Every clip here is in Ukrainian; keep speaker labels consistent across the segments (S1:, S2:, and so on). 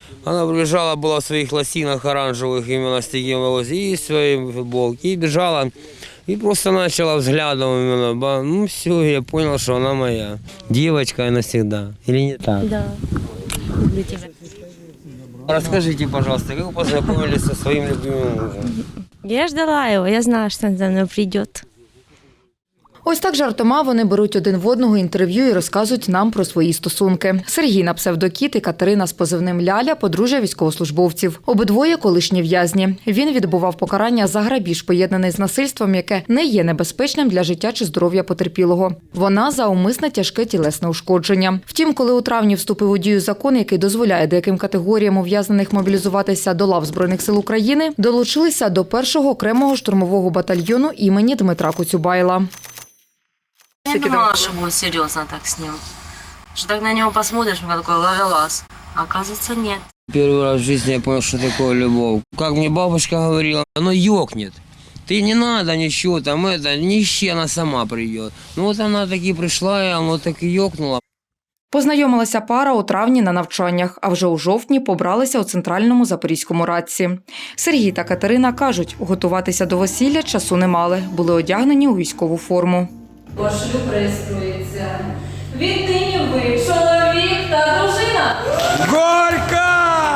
S1: Она прибежала, была в своих лосинах оранжевых, именно с таким волос, и в своей футболке, и бежала, и просто начала взглядом именно, ну все, я понял, что она моя. Девочка навсегда, или не так?
S2: Да. Люблю тебя.
S1: Расскажите, пожалуйста, как вы познакомились со своим любимым мужем?
S2: Я ждала его, я знала, что он за мной придет.
S3: Ось так жартома вони беруть один в одного інтерв'ю і розказують нам про свої стосунки. Сергій на псевдокіт і Катерина з позивним Ляля – подружжя військовослужбовців. Обидвоє – колишні в'язні. Він відбував покарання за грабіж, поєднаний з насильством, яке не є небезпечним для життя чи здоров'я потерпілого. Вона – за умисне тяжке тілесне ушкодження. Втім, коли у травні вступив у дію закон, який дозволяє деяким категоріям ув'язнених мобілізуватися до лав Збройних сил України, долучилися до 1-го окремого штурмового батальйону імені Дмитра Коцюбайла.
S2: Я думала, что будет серьезно так с ним. Что так на него посмотришь, он такой ловелас. А оказывается, нет.
S1: Первый раз в жизни я понял, что такое любовь. Как мне бабушка говорила, оно ёкнет. Ты не надо ничего там, не ищи, она сама придет. Ну вот она таки пришла, и оно так и ёкнуло.
S3: Познайомилася пара у травні на навчаннях, а вже у жовтні побралися у центральному Запорізькому Радці. Сергій та Катерина кажуть, готуватися до весілля часу не мали, були одягнені у військову форму.
S4: Ваш шлюб реєструється. Віднині ви чоловік та дружина.
S1: Горько!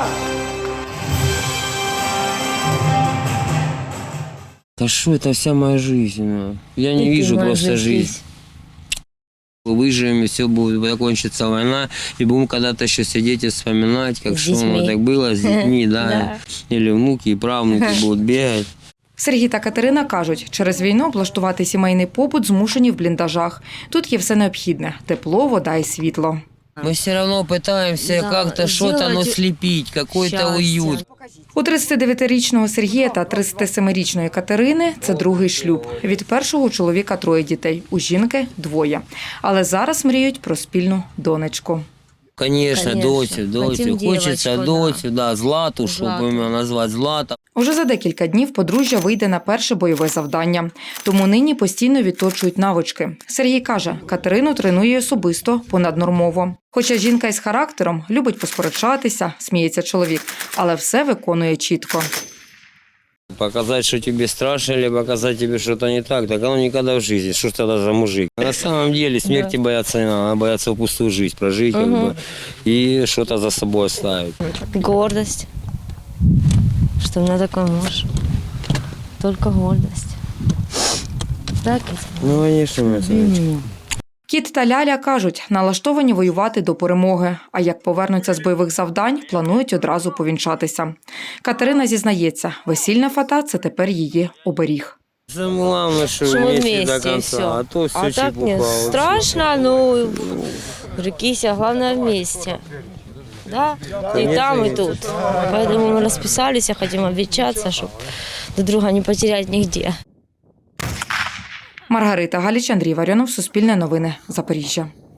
S1: Да что это вся моя жизнь? Я не вижу просто жизнь. Выживем, и все будет, закончится война, и будем когда-то еще сидеть и вспоминать, как что оно так было с детьми, да. Или внуки и правнуки будут бегать.
S3: Сергій та Катерина кажуть, через війну облаштувати сімейний побут змушені в бліндажах. Тут є все необхідне – тепло, вода і світло.
S1: Мы все равно пытаемся как-то что-то слепить, какой-то уют.
S3: У 39-річного Сергія та 37-річної Катерини – це другий шлюб. Від першого чоловіка 3 дітей, у жінки – 2. Але зараз мріють про спільну донечку.
S1: Конечно, Дотю. Хочется Дотю, да, Злату, чтобы имя назвать Злата.
S3: Уже за декілька днів подружжя вийде на перше бойове завдання. Тому нині постійно відточують навички. Сергій каже, Катерину тренує особисто, понаднормово. Хоча жінка із характером, любить посперечатися, сміється чоловік, але все виконує чітко.
S1: Показать, что тебе страшно, или показать тебе что-то не так, так оно никогда в жизни. Что ж тогда за мужик? На самом деле смерти бояться не надо, надо бояться пустую жизнь прожить как бы, и что-то за собой оставить.
S2: Гордость. Что у меня такой муж. Только гордость. Так?
S1: Ну, конечно, мы это.
S3: Кіт та Ляля кажуть, налаштовані воювати до перемоги. А як повернуться з бойових завдань, планують одразу повінчатися. Катерина зізнається, весільна фата – це тепер її оберіг.
S1: Самое главное, что
S2: Что мы
S1: вместе до
S2: вместе, и
S1: конца,
S2: все.
S1: а то все
S2: А так нет, страшно, ну, прикися, главное вместе. Да? И там, и тут. Поэтому мы расписались, хотим обвенчаться, чтобы друг друга не потерять нигде.
S3: Маргарита Галіч, Андрій Варіонов, Суспільне новини, Запоріжжя.